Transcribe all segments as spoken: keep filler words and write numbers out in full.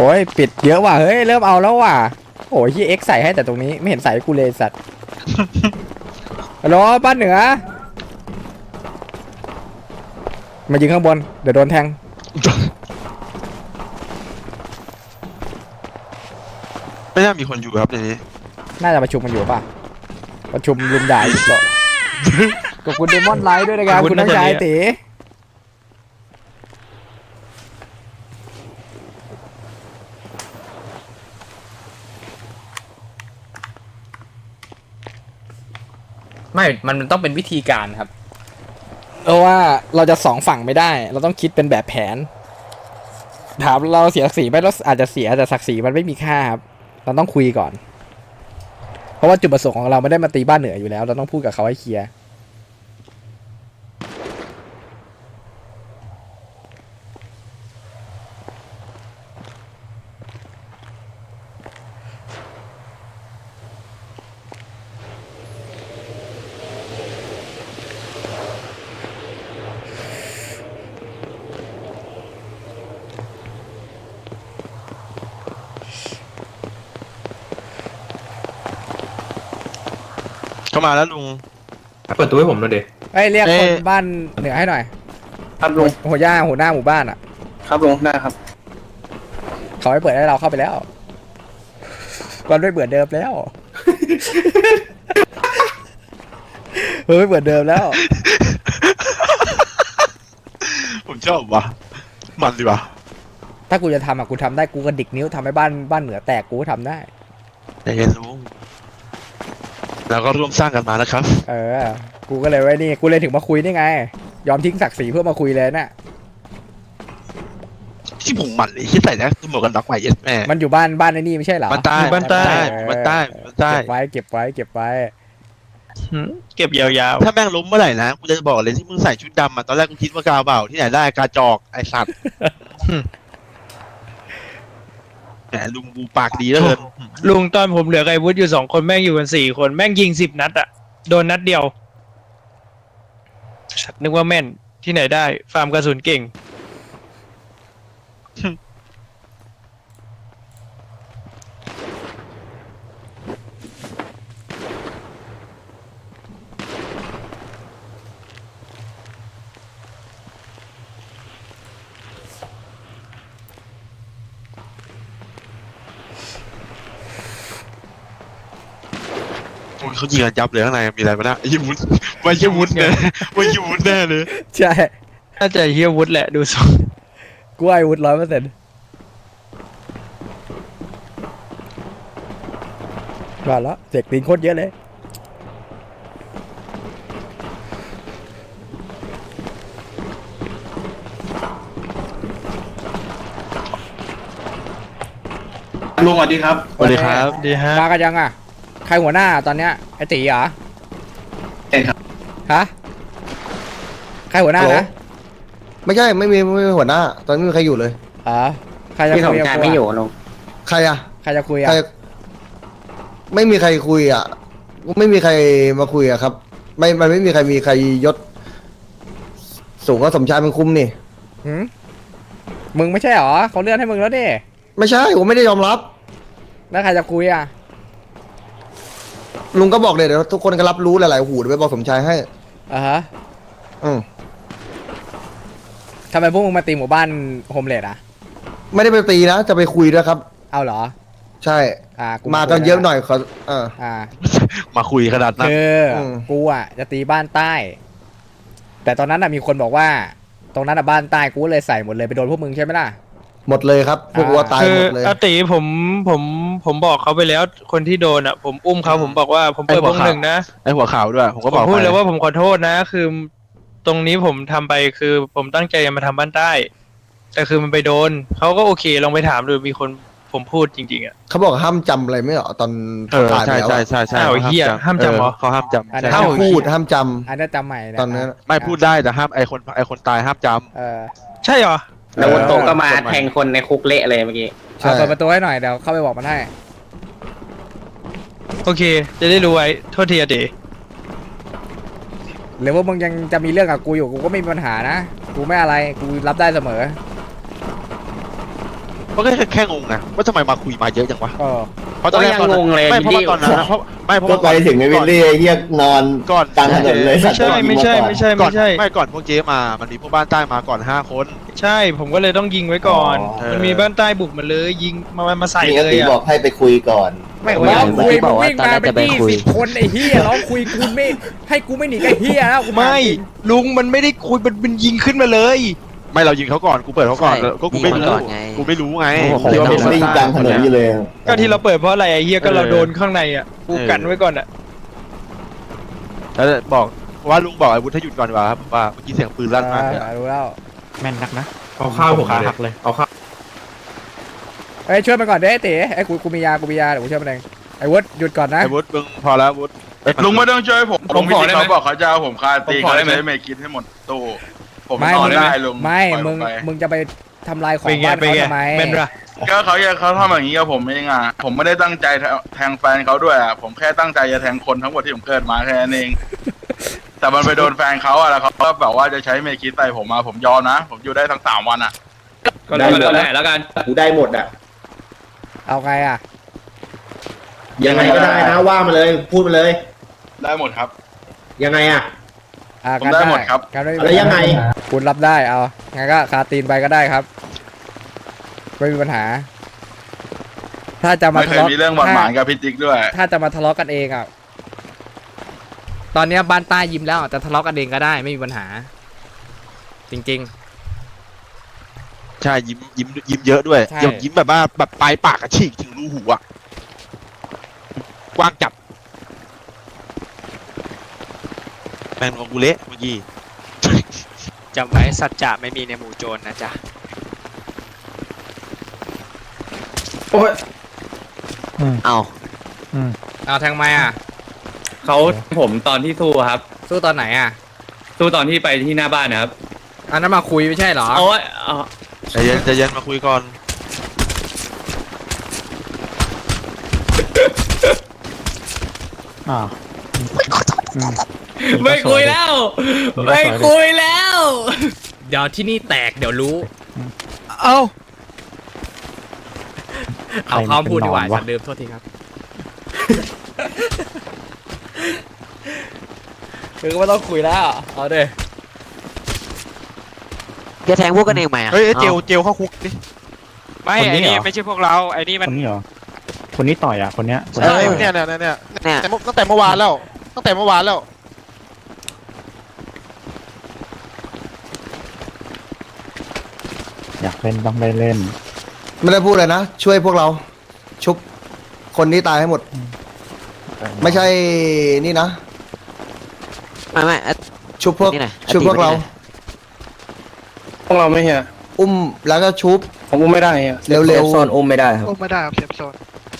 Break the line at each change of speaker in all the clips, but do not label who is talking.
โอ้ยปิดเยอะว่ะเฮ้ยเริ่มเอาแล้วว่ะโอ้ยที่เอ็กใส่ให้แต่ตรงนี้ไม่เห็นใส่กูเลยสัตว์ฮัลโหลบ้านเหนือมายิงข้างบนเดี๋ยวโดนแทง
ไม่น่ามีคนอยู่ครับในนี้
น่าจะประชุมกันอยู่ป่ะประชุมลุมด่าอีกหรอขอบคุณเดมอนไลท์ด้วยนะครับคุณน้องชายตีไม่มันต้องเป็นวิธีการครับเพราะว่าเราจะสองฝั่งไม่ได้เราต้องคิดเป็นแบบแผนถามเราเสียศักดิ์ศรีไหมเราอาจจะเสียแต่ศักดิ์ศรีมันไม่มีค่าครับเราต้องคุยก่อนเพราะว่าจุดประสงค์ของเราไม่ได้มาตีบ้านเหนืออยู่แล้วเราต้องพูดกับเขาให้เคลียร์
เข้ามาแล้วลุง
เปิดตัวให้ผมหน่อยเด็ก
ไอ้เรียกคนบ้านเหนือให้หน่อย
ครับลุง
หัวย่าหัวหน้าหมู่บ้านอ่ะ
ครับลุงได้ครับ
เขาให้เปิดให้เราเข้าไปแล้วก่อนไม่เปิดเดิมแล้วเฮ้ยเปิดเดิมแล้ว
ผมชอบว่ะมันดีว่ะ
ถ้ากูจะทำอ่ะกูทำได้กูกระดิกนิ้วทำให้บ้านบ้านเหนือแตกกูก็ทำได้
แต่เย็นลุงเราก็ร่วมสร้างกันมานะครับ
เออกูก็เลยไว้นี่กูเลยถึงมาคุยนี่ไงยอมทิ้งศักดิ์ศรีเพื่อมาคุยเลยน่ะ
ที่ผมหมันเลยที่ใส่แล้วหมวกกันน็อกใหม่เย็ดแม่
มันอยู่บ้านบ้านไอ้นี่ไม่ใช่เหรอ
มันใต้มันใต้มันใต้มันใต้
เก็บไว้เก็บไว้เก็บไว้
เก็บยาว
ๆถ้าแม่งล้มเมื่อไหร่นะกูจะบอกเลยที่มึงใส่ชุดดำอ่ะตอนแรกกูคิดว่ากาเบาที่ไหนได้กาจอกไอสัตว์แหมลุงกูปากดีเหลือเกิน
ลุงตอนผมเหลือไอ้วุฒิอยู่สองคนแม่งอยู่กันสี่คนแม่งยิงสิบนัดอะโดนนัดเดียวนึกว่าแม่นที่ไหนได้ฟาร์มกระสุนเก่ง
เขายิงกันยับเลยข้างในมีอะไรมาเนี่ยยิงวุ้นมายิงวุ้นเนี่ยมายิงวุ้นแน่เลย
ใช่
น่าจะเฮียวุฒิแหละดูทรง
กูไอ้วุฒิร้อยเปอร์เซ็นต์ว่าแล้วเสกตีนโคตรเยอะเลย
ลุงสวัสดีครับ
สวัสดีครับ
ดีฮะ
มากันยังอ่ะใครหัวหน้าตอนเนี้ยไอ้ตีเหรอ
ใช่ครับ
ฮะใครหัวหน้านะ
ไม่ใช่ไม่มีไม่มีหัวหน้าตอนนี้ไม่มีใครอยู่เลย
อ๋อใครจะคุยกับ
ไม่อยู่ลุง
ใครอะ
ใครจะคุยอะ
ไม่มีใครคุยอะไม่มีใครมาคุยอะครับไม่มันไม่มีใครมีใครยศสูงก็สมชายเป็นคุมนี่
หืมมึงไม่ใช่หรอเขาเลื่อนให้มึงแล้วดิ
ไม่ใช่ผมไม่ได้ยอมรับ
แล้วใครจะคุยอะ
ลุงก็บอกเลยเดี๋ยวทุกคนก็รับรู้หลายๆหูเดี๋ยวไปบอกสมชายให้
อ่าฮะ
อืม
ทำไมพวกมึงมาตีหมู่บ้านโฮมเลดอ่ะ
ไม่ได้ไปตีนะจะไปคุยด้วยครับ
เอาเหรอ
ใช่
อ่า
มากันเยอะหน่อยเขาเออ
อ่า
มาคุยขนาดนั้น
คือกูอ่ะจะตีบ้านใต้แต่ตอนนั้นอ่ะมีคนบอกว่าตรงนั้นอ่ะบ้านใต้กูเลยใส่หมดเลยไปโดนพวกมึงใช่ไหมล่ะ
หมดเลยครับพวกวัวตายหมดเลย
อาติผมผมผมบอกเขาไปแล้วคนที่โดนอ่ะผมอุ้มเขาผมบอกว่าผมเปิดวงหนึ่งนะ
ไอหัวขาวด้วยผมก็บอก
พูดเลยว่าผมขอโทษนะคือตรงนี้ผมทำไปคือผมตั้งใจจะมาทำบ้านใต้แต่คือมันไปโดนเขาก็โอเคลองไปถามดูมีคนผมพูดจริงๆอ่ะ
เขาบอกห้ามจำอะไรไม่เหรอตอน
ตายแล้วใช่ใช่ใช่
ใช่เฮียห้ามจำเหรอ
เขาห้ามจำ
ห้ามพูดห้ามจำ
อันนั้นจำใหม่
ตอนนั้น
ไม่พูดได้แต่ห้ามไอคนไอคนตายห้ามจำ
เออ
ใช่เหรอ
แล้ววันโตก็มาแทงคนในคุกเละเลยเมื่อกี้
เปิดประตูให้หน่อยเดี๋ยวเข้าไปบอกมันให้
โอเคจะได้รู้ไว้โทษทีอะเด๋
หรือว่ามึงยังจะมีเรื่องกับกูอยู่กูก็ไม่มีปัญหานะกูไม่อะไรกูรับได้เสมอ
ก็แค่แค่งงไงว่าทำไมมาคุยมาเยอะจังวะ
ก็
เพราะตอนแรกตอนนั้นไม่เพราะว่าตอนนั้นนะเพราะไม่เพราะ
ก็
ว่า
ไปถึงไอ้วิลลี่ไอ้เหี้ยนอน
ก่อน
กลางถนนเลย
ไม่ใช่ไม่ใช่ไม่ใช่
ก่อ
ไม่
น
ใช่
ไม่ก่อนพวกเจ๊มามันมีพวกบ้านใต้มาก่อนห้าคน
ใช่ผมก็เลยต้องยิงไว้ก่อน
อ๋อ
มันมีบ้านใต้บุกมาเลย ยิงมามาใส่
นี่
เล
ก็
ย
ตีบอ
อ่ะ
กให้ไปคุยก่อน
ไม่
ไม่
ร้อง
ไม่
คุย
บ
มึ
อง กว่า
วิ่งมา
ตอนแรก
เป็น
จะไป
ยี่
คุย
สิบคนไอ้เหี้ยร้องคุยกูไม่ให้กูไม่หนีกับเหี้ยแล้วกู
ไม่ลุงมันไม่ได้คุยมันเป็นยิงขึ้นมาเลย
ไม่เรายิงเขาก่อนกูเปิดเขาก่อน
ใช่
แล้วก็กูไม่
ยิง
รู้
เขาก่อนไง
กูไม่รู้ไง
โอ้โห
คิดว่า
เป็
เป็น น
วิ่งกลางถนนอยู่เลย
ก็ที่เราเปิดเพราะอะไรไอ้เฮียก็
เออ
เราโดนข้างในอ่ะกูกันไว้ก่อนอ่ะ
แล้วบอกว่าลุงบอกไอ้วุฒิให้หยุดก่อนดีกว่าครับว่าเมื่อกี้เสียงปืนลั่นมากเลย
อ่ารู้แล้ว
แม่นนักนะ
เอาข้าวผม
ขา
เลย
หักเลย
เอาข้าว
เอ้ยช่วยมันก่อนเด้ไอ้เต๋ไอ้กูกูมียากูมียาเดี๋ยวกูช่วยมันเองไอ้วุฒิหยุดก่อนนะ
ไอ้วุฒิมึงพอแล้ววุฒิ
ลุงไม่ต้องช่วยผม
ผมขอได้ไหม
เขาบอกเขาจะเอาผมคาตี
ผมขอ
เขา
ได้ไหม
ใช้เมกินให้หมดตู้ ผม
ไม่
ต่อ
มึง
ได้ลุง
ไม่
ปล่อยผ
มึง
ไป
มึงจะไปทำลายของ
เป็นไง
บ้าน
เป็น
เขา
ไง
ทำไม
เป็นไร
ก็เขาอยากเขาทำอย่างนี้กับผมเองอ่ะ ผมไม่ได้ตั้งใจแทงแฟนเขาด้วยอ่ะ ผมแค่ตั้งใจจะแทงคนทั้งหมดที่ผมเกิดมาแค่นั้นเอง แต่มันไปโดนแฟนเขาอ่ะแล้วเขาก็แบบว่าจะใช้เมกินใส่ผมมาผมยอมนะ ผมอยู่ได้ทั้งสามวันอ่ะ
ก็แล้วแต่แล้วกัน
กูได้หมดอ่ะ
เอาไงอ่ะ
ยังไงก็ได้นะว่ามาเลยพูดมาเลย
ได้หมดครับ
ยังไงอ่ะ
อ่า
ผมได้หมดครับ
การไม่
แล้วยังไง
คุณรับได้เอางั้นก็คาตีนไปก็ได้ครับไม่มีปัญหา ถ้าจะมา
ไม่เค
ทะ
ย
เลาะ
มีเรื่องบาดหมางกับพี่ติ๊กด้วย
ถ้าจะมาทะเลาะกันเองอ่ะตอนเนี้ยบ้านใต้ยิ้มแล้วแต่ทะเลาะกันเองก็ได้ไม่มีปัญหา จริง
ใช่ยิ้มยิ้มยิ้มเยอะด้วย
ใช่
ยิ้มยิ้มแบบว่าแบบปลายปากกระฉีกถึงรูหูอ่ะกว้างจับแมงของกูเละเมื่อกี้
จำไว้สัจจะไม่มีในหมู่โจรนะจ๊ะ เอา
ๆเอาแทงไม้อ่ะ
เขาผมตอนที่สู้ครับ
สู้ตอนไหนอ่ะ
สู้ตอนที่ไปที่หน้าบ้านนะครับ
อันนั้นมาคุยไม่ใช่เหรอ
โอ้ยเอา
ใจเย็นใจเย็นมาคุยก่อน
อ่าวอืม
ไม่คุยแล้ว ไม่คุยแล้ว
เดี๋ยวที่นี่แตกเดี๋ยวรู้
เอ้า
เอาข้อมพูดดีกว่า
ใครมันเป็นหนอนวะ
ฉันลืมโทษทีครับคือก็ไม่ต้องคุยแล้ว เอาเด้
แกแทงพวกกันเองไหมอะ
เฮ้ยเจลเจลเข้าคุกดิ
ไม่
คนนี้
ไอ้นี่
เหรอ
ไม่ใช่พวกเราไอ้นี่
ค
มัน
นนี้เหรอ คนนี้ต่อยอ่ะ คนเนี้ย
ใช่เนี่ยเนี่ยเนี่ยเนี่ยแต่เมื่อตั้งแต่เมื่อวานแล้ว ตั้งแต่เมื่อวานแล้ว
อยากเล่นต้องได้เล่น
ไม่ได้พูดเลยนะ ช่วยพวกเรา ชุบคนที่ตายให้หมด ไม่ใช่นี่นะ
ไม่ไม่อ่ะ
ชุบพวก
นี่หน่อย
ชุบพวกเรา
พวกเราไม่เฮีย
อุ้มแล้วก็ชุบ
ผมอุ้มไม่ได้เฮีย
เร็วๆ
ซอนอุ้มไม่ได้ครับ
อุ้มไม่ได้ครับเซฟโซน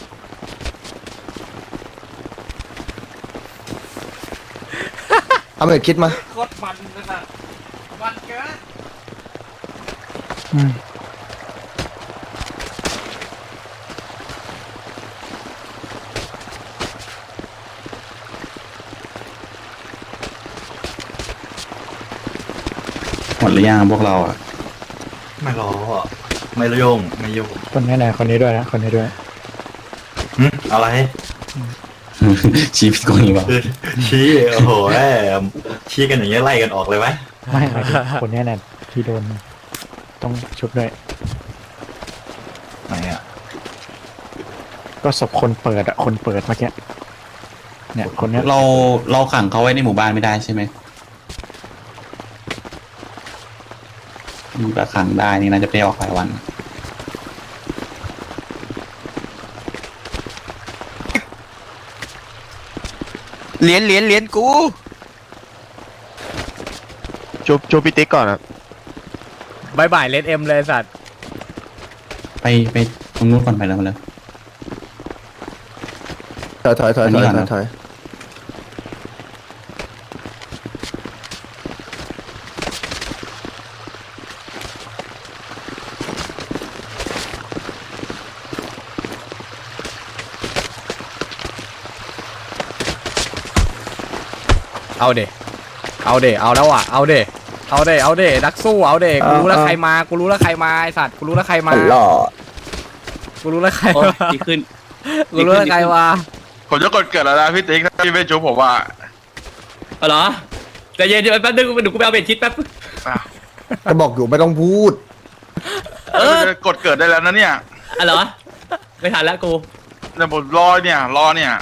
เอาเหมือนคิดมา
โคตรมันนะมันเกิน
อืม
หมดหรือยังพวกเราอ่ะ
ไม่รอไม่โยงไม่โยง
คนนี้ไหนคนนี้ด้วยนะ คนนี้ด้วย
อะไร
ชี้ผิดคนนี้เปล่า
ชี้โอ้โหชี้กันอย่างเงี้ยไล่กันออกเลยไหม
ไม่หมายถึงคนนี้แหละที่โดน ต้องชุบด้วย
ไหนอ่ะ
ก็ศพคนเปิดอ่ะ คนเปิดเมื่อกี้ เนี่ย คนเนี้ย
เราเราขังเขาไว้ในหมู่บ้านไม่ได้ใช่ไหมถ้าขังได้นี่น่าจะไปออกหลายวัน
เหรียญเหรียญเหรียญกู
จูจูพิติกก่อนอ่ะ
บายบายเลดเอ็มเลยสัตว์
ไปไปตรงนู้นก่อนไปแล้วมาเลย
ถอยถอยถอย
อัน
ถ
นี้
อย
ก่อนนะ
ถอย
เอาเดเอาเดเอาแล้วอ่ะ เอาเดเอาเดเอาเดนักสู้ เอาเดกูรู้แล้วใครมา กูรู้แล้วใครมาไอสัตว์ กูรู้แล้วใครมา
หล่อ
กูรู้แล้วใคร
โอ้
วะ
ดีขึ้น
กูรู้แล้วใครวะ
ผมจะกดเกิดแล้วนะพี่ติ๊กถ้าพี่ไม่ชุบผมว่า
เอาเหรอใจเย็นเดี๋ยวแป๊บนึงเดี๋ยวกูไปเอาเบ็ดชิดแป๊บ
อ่ะ
ก็บอกอยู่ไม่ต้องพูด
เออ
จะกดเกิดได้แล้วนะเนี่ย
อะเหรอไม่ทันแล้วกู
แต่ผมรอเนี่ยรอเนี่ย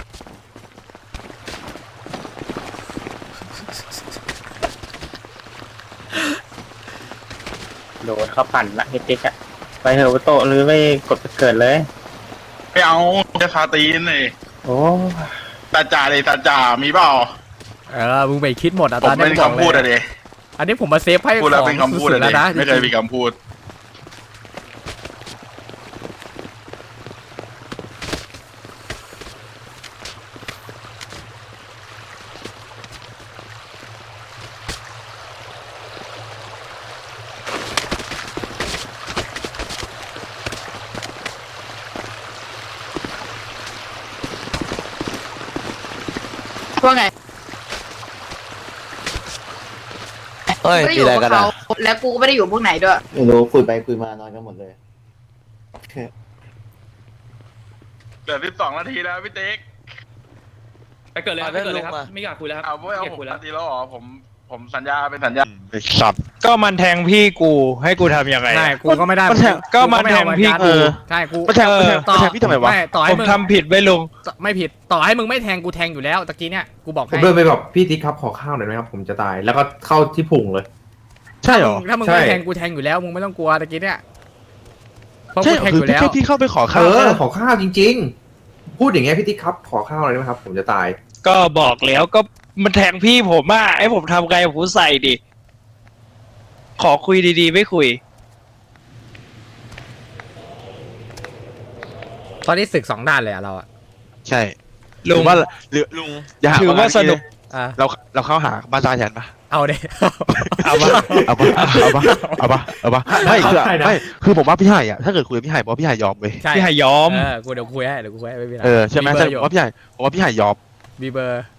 โดนเขาปั่นละเฮติกอะไปเถอะโตหรือไม่กดเกิดเลย
ไม่เอาจะคาตีนเลย
โอ้
ตาจ่าเลยตาจ่ามีเปล่า
เออมึงไปคิดหมดอ่ะ
ผ
ตอ
ม
นนี้
เป็น
บอก
คำพูด
เล
อะ
ย
เด
อันนี้ผมมาเซฟให้
พูดแล้ว
ของ
เป็นคำพูด
สุ
อะ
ดๆ
เด
แล้วนะ
ไม่เคย
จริ
มี
ง
คำพูด
ว่าไง
เฮ้ย
ไม่ได้อ
มี
ยู่
อะไร
กับ
กัน
เขา
อ่ะ
แล้วกูก็ไม่ได้อยู่พวกไหนด้วย
ไม่รู้คุยไปคุยมานอนกันหมดเลย
เหลือสิบสองนาทีแล้วพี่ติ๊ก
ไปเกิดเลยครับไปเกิดเลยครับไม่อยากคุยแล้วครับ
เอาไม่เอา
ไม่อยาก
ผม
คุยแล้ว
นาทีแล้วเหรอผมผมสัญญาเป็นสัญญา
ไอ้สัตว์
ก็มันแทงพี่กูให้กูทำยังไง
ใช่กูก็ไม่ได้
มันแทงก็มันแทงพี่
เอ
กู
อใช่กู
มาแทงมาแทง
ต่อ
มาแทงพี่ทำไมวะ
ไม่ต่อให้
ผม
มึง
ทำผิดไว้ลุง
ไม่ผิดต่อให้มึงไม่แทงกูแทงอยู่แล้วตะกี้เนี่ยกูบอก
ผม
ให้
เดินไปบอกพี่ติ๊กครับขอข้าวหน่อยไหมครับผมจะตายแล้วก็เข้าที่พุงเลย
ใช่เหรอ
ถ้ามึง
ใช่
ไม่แทงกูแทงอยู่แล้วมึงไม่ต้องกลัวตะกี้เนี่ยเพราะ
ใช่
กู
เหรอ
แทง
คือ
อยู่แล้ว
แค่พี่เข้าไปขอ
เอ
ข้าว
อ
แค่นั้น
ขอข้าวจริง ๆ พูดอย่างเงี้ยพี่ติ๊กครับขอข้าวหน่อยได้ไหมครับ ผมจะตาย
ก็บอกแล้วก็มันแทงพี่ผมอ่ะไอ้ผมทำไงผมใส่ดิขอคุยดีๆไม่คุย
ตอนนี้ศึกสองด้านเลยอะเราอะ
ใช่
ลุง
ว่าหรือลุงอย่าห
ถือว่าสนุก
อ่ะ
เราเราเข้าหาบ้านตาแทนปะ
เอาเด็
เอาปะเอาปะเอาปะเอาปะเอาปะไม่คือ
ได้นะ
ไม่คือผมว่าพี่ไห่อะถ้าเกิดคุยกับพี่ไห่บอกว่าพี่ไห่ยอมเว้ย
ใช่
พี่หายยอม
เออกูเดี๋ยวคุยให้เดี๋ยวกูคุยให้ไม่เป็นไร
เออใช่ไหม
เบอ
ใช่
ร์อยู่
ผมว่าพี่ไห่ผมว่าพี่ไห่ยอม
มีเบอร์